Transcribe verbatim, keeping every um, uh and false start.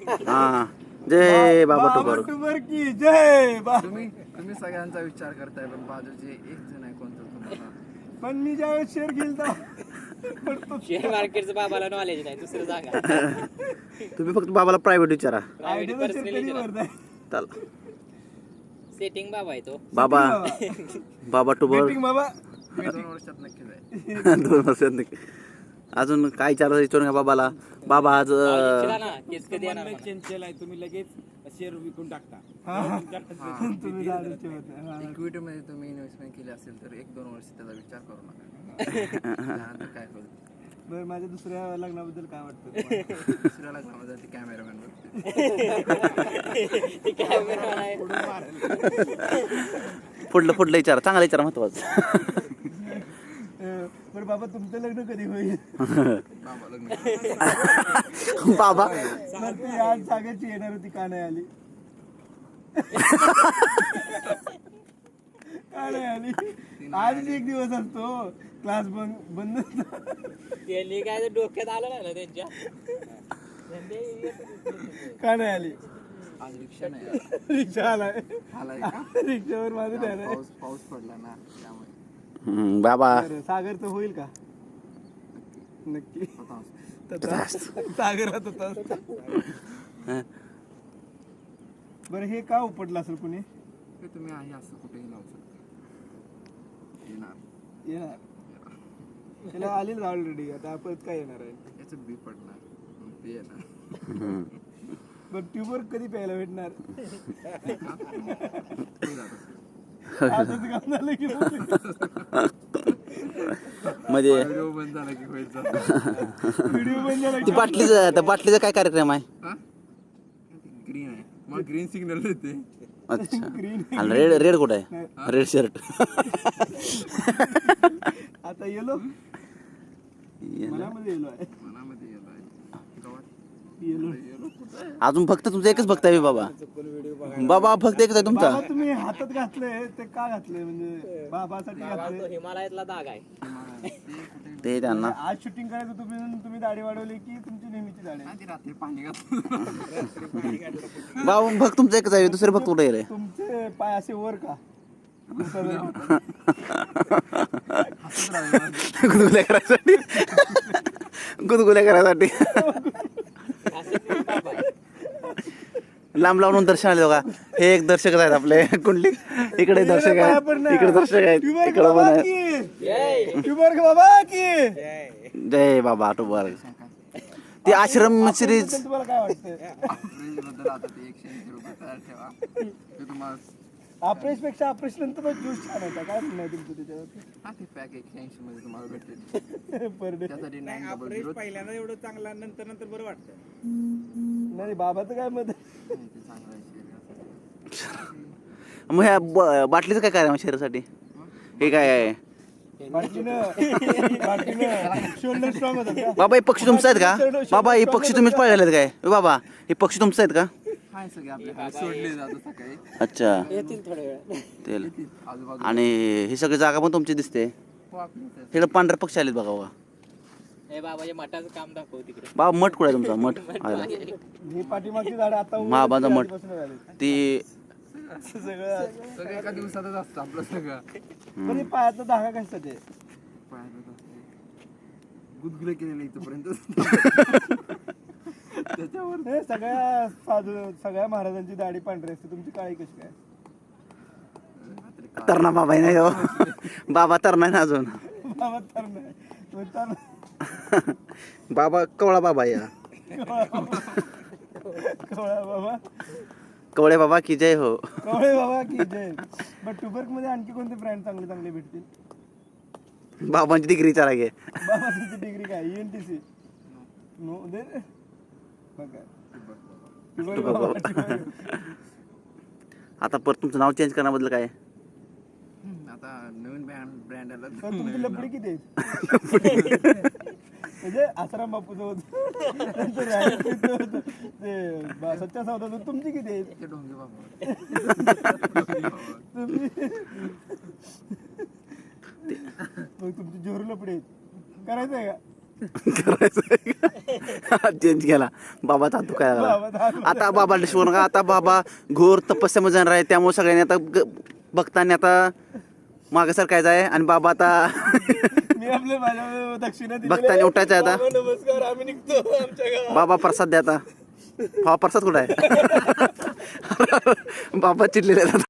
हा जय बाबा बाबा टुबर टुबर की जय बा. तुम्ही तुम्ही सगळ्यांचा विचार करताय पण बाजूचे एक जण आहे कोणतं तुम्हाला पण मी ज्यावेळेस शेअर घेईल शेअर मार्केटचं बाबाला नॉलेज नाही दुसरं सांगा. तुम्ही फक्त बाबाला प्रायव्हेट विचारा चला सेटिंग बाबा आहे तो. बाबा बाबा टुबर बाबा दोन वर्षात नक्कीच आहे. दोन वर्षात नक्की. अजून काय विचारायचं विचारून घ्या बाबाला. बाबा आज विचारा ना, केस कधी येणार मला? चंचल आहे तुम्ही लगेच शेअर विकून टाकता. तुम्ही लाडूचे होते. हा. इक्विटी मध्ये तुम्ही इन्व्हेस्टमेंट केली असेल तर एक दोन वर्ष त्याचा विचार करू नका. त्यानंतर काय होईल बरं माझ्या दुसऱ्या लग्नाबद्दल काय वाटतं तुम्हाला? दुसऱ्या लग्नामध्ये ती कॅमेरामॅन ते cameraman आहे. पुढलं पुढलं विचारा चांगला विचारा महत्वाचं. अं, बरं बाबा तुमचं लग्न कधी होईल? बाबा लग्न बाबा तर ती आज सांगायची येणार होती का नाही आली? का नाही आली? आज एक दिवस असतो क्लास बंद बंद असतो. त्यांनी काय ते डोक्यात आलं नाही ना त्यांच्या. का नाही आली? आज रिक्षा नाही रिक्षा आलाय आलाय का रिक्षावर माझं ध्यान आहे. पाऊस पाऊस पडला ना त्यामुळे हम्म, बाबा बरं, सागरचं होईल का? नक्की आता तथा सागरात होता. बरं हे का उपटलं असेल कुणी? ते तुम्ही आहे असं कुठेही लावू शकता येणार येणार त्याला आलेच ऑलरेडी आता परत काय येणार आहे? याचं बी पडणार मग ते येणार बरं ट्यूबर कधी प्यायला भेटणार? ते जात असेल. असंच काम झालं की म्हणजे व्हिडिओ बंद झाला की व्हायचा व्हिडिओ बंद झाला ती बाटलीचं त्या बाटलीचा काय कार्यक्रम आहे? ग्रीन आहे मग ग्रीन सिग्नल देते अच्छा ग्रीन आणि रेड रेड कुठं आहे? Red shirt. आता येलो मनामध्ये येलो आहे मनामध्ये येलो आहे गावात येलो येलो कुठं आहे अजून फक्त तुमचं एकच भक्त आहे बाबा. बाबा फक्त एकच आहे तुमचा. बाबा तुम्ही हातात घातले ते का घातले? म्हणजे बाबासाठी बाबा तो घातले? हिमालयातला दाग आहे. ते त्यांना आज शूटिंग करायचं तुम्ही तुम्ही दाढी वाढवली की तुमची नेहमीची दाढी? ती रात्री पाणी घातलं बाबा भक्त तुमचं एकच आहे दुसरे भक्त कुठे रे? तुमचे पाय असे वर का? गुदगुल्या करायसाठी गुदगुल्या करायसाठी लांब लांबून दर्शन आले बघा. हे एक दर्शक आहेत आपले कुंडली. इकडे दर्शक आहेत इकडे दर्शक आहेत इकडे पण आहेत. ट्यूबर बाबा की जय बाबा टुबर. ती आश्रम सिरीज तुम्हाला काय वाटतं? बद्दल आता ते एकशे ऐंशी रुपये तयार ठेवा ते तुम्हाला ऑपरेश पेक्षा ऑपरेशन नंतर ज्यूस छान होता. काय म्हणणं आहे तुमचं त्याच्यावर? हा ते पॅक एकशे ऐंशी मध्ये तुम्हाला भेटेल पर डे त्यासाठी नाईन डबल अप्रेश झिरो पहिल्यांदा एवढं चांगला नंतर नंतर बरं वाटतं. नाही बाबाचं काय मत आहे? ते चांगलं आहे शरीरासाठी. मग ह्या ब- बाटलीचं काय कार्य आहे शरीरासाठी? हे काय आहे बाटलीनं बाटलीनं शोल्डर स्ट्रॉंग होतात का? बाबा हे पक्षी तुमचं आहेत का? बाबा हे पक्षी तुम्हीच पाळलेले आहेत काय? ए बाबा हे पक्षी तुमचं आहेत का? हाय सगळे आपल्याकडे सोडले जातात सकाळी अच्छा येतील थोड्या वेळात. तेल आजूबाजू आणि ही सगळी जागा पण तुमची दिसते. हो, आपलीच आहे. तिकडे पांढरे पक्षी आलेत बघा बघा. हे बाबाच्या मठाचं काम दाखव तिकडे. बाबा मठ कुठे आहे तुमचा मठ? आयला. ही पाठीमागची झाडं आता उभं महाबाजा मठ. आधीपासून झाली. ती असं सगळं सगळं एका दिवसातच असतं आपलं सगळं पण हे पायाचा धागा कशासाठी आहे? पायातच असते. गुदगुले केलेले इथपर्यंत त्याच्यावर हे सगळ्या साधू सगळ्या महाराजांची दाढी पांढरी असते, तुमची काळी कशी काय? तरणा बाबा आहे नाही हो. बाबा तरणा आहे ना अजून. बाबा तर नाही मग तर बाबा कवळा बाबा या कवळा बाबा कवळे बाबा की जय हो. कवळे बाबा की जय. बट टुबर्क मध्ये आणखी कोणते ब्रँड चांगले चांगले भेटतील? बाबांची डिग्री विचारा घे. बाबाची डिग्री काय? ई एन टी सी नो दे बघा टुबर्क बाबा, टुबर्क. आता परत तुमचं नाव चेंज करण्याबद्दल काय? आता नवीन ब्रँड ब्रँड आला पण तुमची लपडी किती आहे? म्हणजे आसाराम बापूचं होतं नंतर रायगडचं होतं, ते बा- सच्चा सौदा होतं. तुमची किती आहे? ते डोंगे बाबा तुम्ही मग तुमची जोर लपडी आहेत. करायचं आहे का? करायचं चेंज केला बाबाचा हात दुखायला बाबाचा हात लागला. आता बाबा शिकवू नका. आता बाबा घोर तपस्यामध्ये जाणार आहे, त्यामुळे सगळ्यांनी आता ग- भक्तांनी आता मागे सरकायचं आहे आणि बाबा आता मी आपल्या माझ्या दक्षिणा दिलेल्या भक्तांनी आहे. उठायचं आहे आता. बाबा, नमस्कार आम्ही निघतो आमच्या गावात. बाबा प्रसाद द्या आता. हा प्रसाद कुठं आहे? बाबा चिडलेले आहेत आता.